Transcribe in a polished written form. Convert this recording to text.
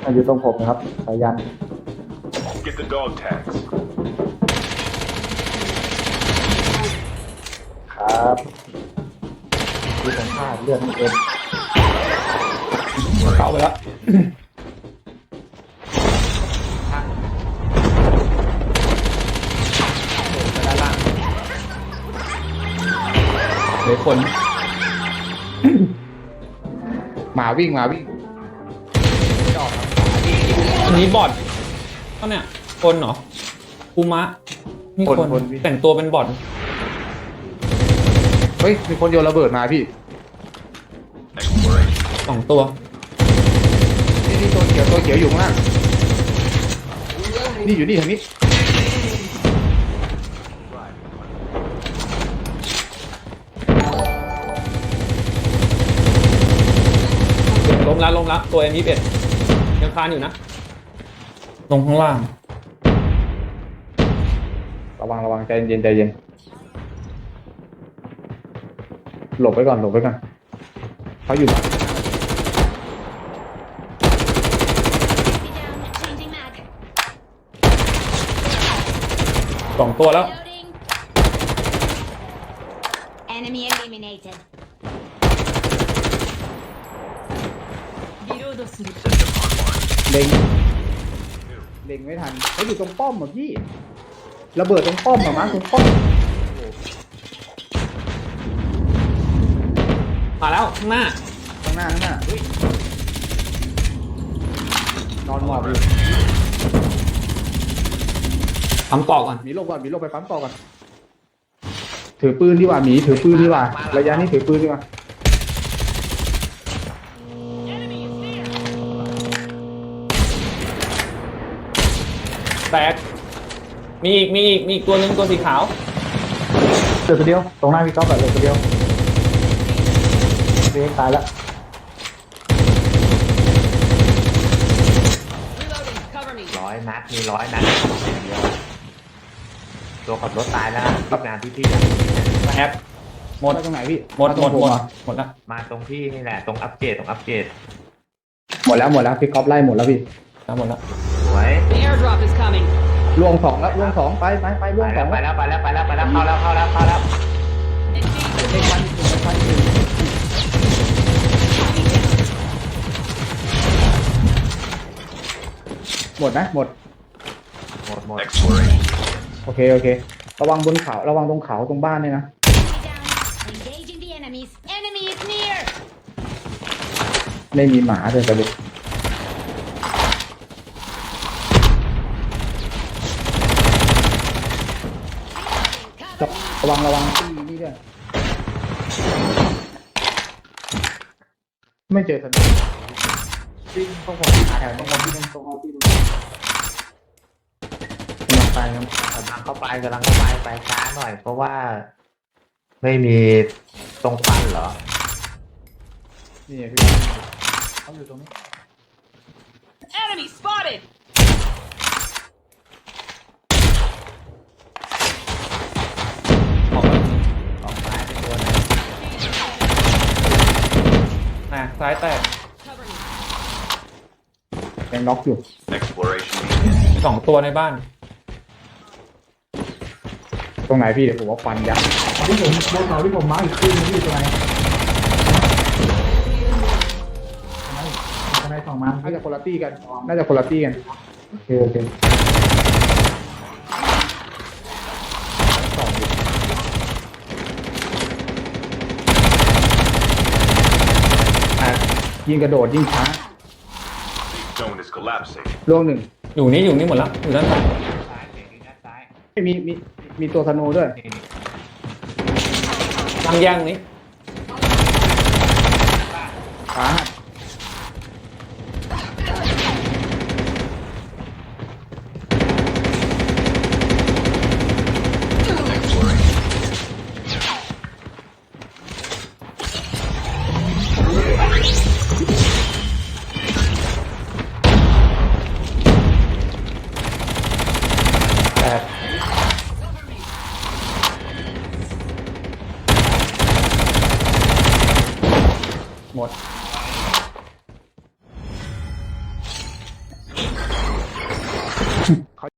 อยู่ตรงผมนะครับสายัน Get the dog tags. ครับดูของข้าเลือดมันเต็มเข้าไปแล้วไปด้านล่างเดี๋ยวคนหมาวิ่งหมาวิ่งอันนี้บอทก็เนี่ยคนเหรอคูมะมีคนแต่งตัวเป็นบอทเฮ้ยมีคนโยนระเบิดมาพี่ Exploration. 2 ตัวนี่ตัวเขียวอยู่ข้างล่างนี่อยู่นี่ทางนี้ล้มแล้วตัว M21 ยังคานอยู่นะ ลงข้างล่างระวังใจเย็นหลบไปก่อนเขาอยู่ Changing mag. 2 ตัวแล้ว Loading. Enemy eliminated. Reload する. เล็งไม่ทันเขาอยู่ตรงป้อมอ่ะพี่ระเบิดตรงป้อมอ่ะมาตรงป้อมมาแล้วข้างหน้าข้างหน้าเฮ้ยนอนหมอบอยู่ทำเกาะก่อนหมีลงไปปั๊มต่อก่อนถือปืนดีกว่าหมีถือปืนดีกว่าระยะนี้ถือปืนดีกว่าแตกมีอีกตัวหนึ่งตัวสีขาวเหลือตัวเดียวตรงหน้าพี่ก๊อฟแบบเหลือตัวเดียวเรียกตายแล้ว Reloading. Cover me. 100 นัดมี100 นัดอย่างเดียวตัวขับรถตายแล้วรับงานที่พี่อะแอปหมดมาตรงไหนพี่หมดาตรงผมเรอแล้วมาตรงพี่นี่แหละตรงอัปเกรดหมดแล้วพี่ก๊อฟไล่หมดแล้วพี่หมดแล้วสวย The airdrop is coming. ล่วงสองแล้วล่วงสองไปล่วงสองไปแล้วเข้าแล้วเข้าแล้วเด็กพันหมดนะหมดหมด Exploration. โอเคระวังบนเขาระวังตรงเขาตรงบ้านเนี่ยนะ Down. Engaging the enemies. Enemy is near. ไม่มีหมาเลยประเด็นระวังที่นี่ด้วยไม่เจอทันทีจริงต้องผมหาแถวนี้ผมที่ตรงที่ดูลองไปครับกำลังเข้าไปไปช้าหน่อย เพราะว่า ไม่มีตรงฟันเหรอนี่พี่เขาอยู่ตรงนี้ Enemy spotted. ออกแล้วออกซ้ายเป็นตัวนึงซ้ายแตก Cover me. ยังล็อกอยู่ Exploration. 2 ตัวในบ้านตรงไหนพี่เดี๋ยวผมว่าฟันยับที่ผมบนเขาที่ผมมาร์คอีกขึ้นพี่ตรงไหนสองมาน่าจะคนละตี้กันโอเคสองยิงกระโดดยิงช้า Zone is collapsing. ล่วงหนึ่งอยู่นี่หมดแล้วอยู่ด้านหลังซ้ายเสียงด้านซ้ายมีตัวธนูด้วยนี่ทางแย่งนี้ขาหักแตกหมดเขา